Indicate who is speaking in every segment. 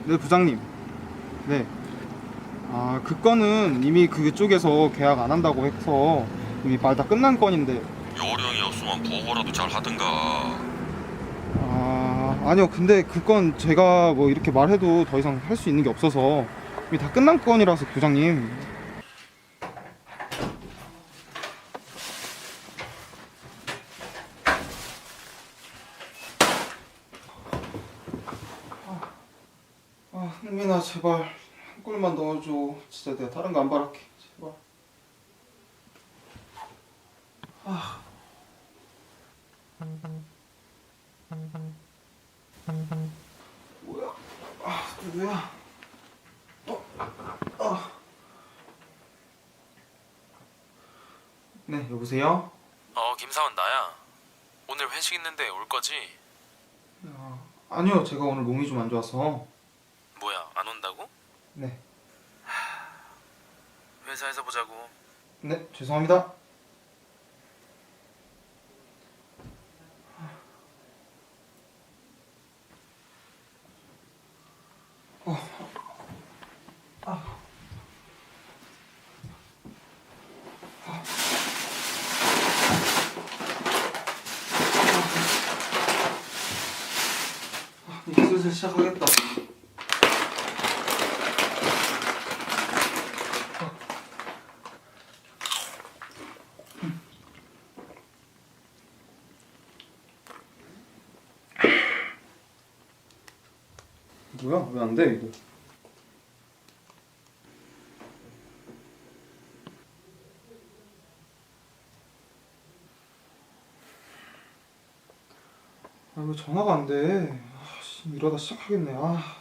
Speaker 1: 네, 부장님. 네. 아, 그 건은 이미 그쪽에서 계약 안 한다고 해서 이미 말 다 끝난 건인데.
Speaker 2: 요령이 없으면 보고라도 잘 하든가.
Speaker 1: 아, 아니요. 근데 그 건 제가 뭐 이렇게 말해도 더 이상 할 수 있는 게 없어서 이미 다 끝난 건이라서, 부장님. 흥민아, 제발 한 골만 넣어줘. 진짜 내가 다른 거 안 바랄게. 제발. 뭐야? 누구야? 네, 여보세요?
Speaker 3: 김사원 나야. 오늘 회식 있는데 올 거지?
Speaker 1: 아니요, 제가 오늘 몸이 좀 안 좋아서.
Speaker 3: 뭐야, 안 온다고?
Speaker 1: 네.
Speaker 3: 회사에서 보자고.
Speaker 1: 네, 죄송합니다. 이제 슬슬 시작하겠다. 뭐야? 왜 안 돼, 이거? 아, 이거 전화가 안 돼. 이러다 시작하겠네.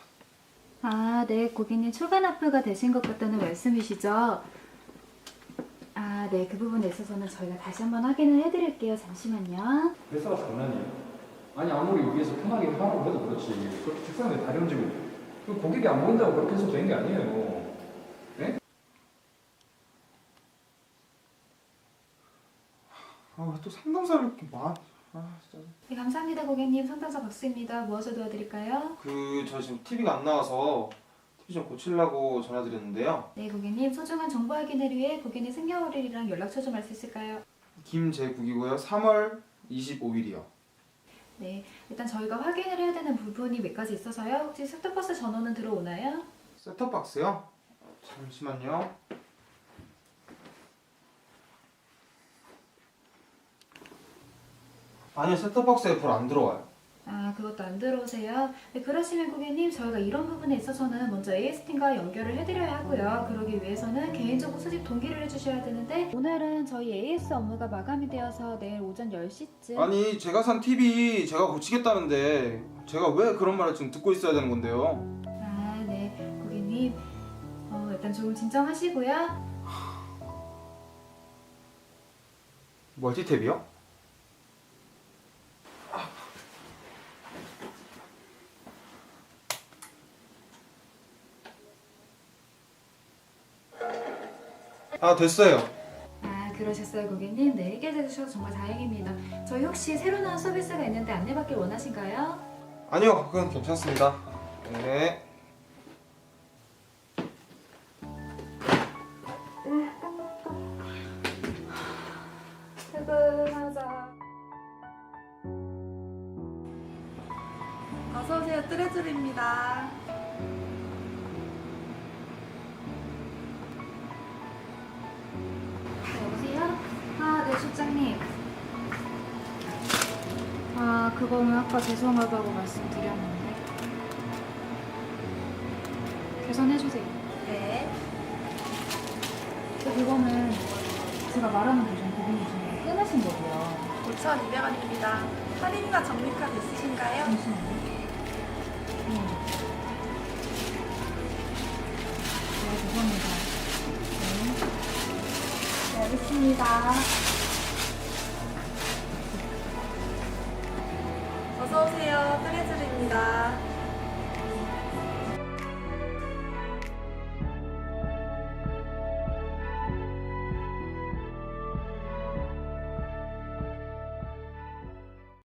Speaker 4: 네, 고객님 초과 납부가 되신 것 같다는 말씀이시죠? 네, 그 부분에 있어서는 저희가 다시 한번 확인을 해드릴게요. 잠시만요.
Speaker 5: 회사가 장난이에요? 아니 아무리 위에서 편하게 하라고 해도 그렇지 그렇게 책상에 다리 얹고 그 고객이 안 보인다고 그렇게 해서 되는 게 아니에요. 네?
Speaker 1: 왜 또 상담사를 이렇게 진짜.
Speaker 4: 네, 감사합니다, 고객님. 상담사 박수입니다. 무엇을 도와드릴까요?
Speaker 1: 저 지금 TV가 안 나와서 TV 좀 고치려고 전화드렸는데요.
Speaker 4: 네, 고객님. 소중한 정보 확인을 위해 고객님 생년월일이랑 연락처 좀 알 수 있을까요?
Speaker 1: 김재국이고요. 3월 25일이요.
Speaker 4: 네, 일단 저희가 확인을 해야 되는 부분이 몇 가지 있어서요. 혹시 셋톱박스 전원은 들어오나요?
Speaker 1: 셋톱박스요? 잠시만요. 아니요, 셋톱박스에 불 안 들어와요.
Speaker 4: 그것도 안 들어오세요? 네, 그러시면 고객님, 저희가 이런 부분에 있어서는 먼저 AS팀과 연결을 해드려야 하고요. 그러기 위해서는 개인정보 수집 동기를 해주셔야 되는데 오늘은 저희 AS 업무가 마감이 되어서 내일 오전 10시쯤
Speaker 1: 아니, 제가 산 TV 제가 고치겠다는데 제가 왜 그런 말을 지금 듣고 있어야 되는 건데요?
Speaker 4: 네, 고객님. 일단 조금 진정하시고요.
Speaker 1: 멀티탭이요? 됐어요.
Speaker 4: 그러셨어요, 고객님. 네, 해결해 주셔서 정말 다행입니다. 저희 혹시 새로 나온 서비스가 있는데 안내받길 원하신가요?
Speaker 1: 아니요, 그건 괜찮습니다. 네.
Speaker 4: 퇴근하자.
Speaker 6: 어서오세요. 뜨레줄입니다.
Speaker 4: 여보세요? 네, 실장님. 그거는 아까 죄송하다고 말씀드렸는데. 계산해주세요.
Speaker 6: 네.
Speaker 4: 그거는 제가 말하는 도중 고객님 중에 끊으신 거고요.
Speaker 6: 5,200원입니다. 할인이나 적립카드 있으신가요?
Speaker 4: 잠시만요. 죄송합니다. 네, 알겠습니다.
Speaker 6: 어서오세요. 뜨레줄입니다.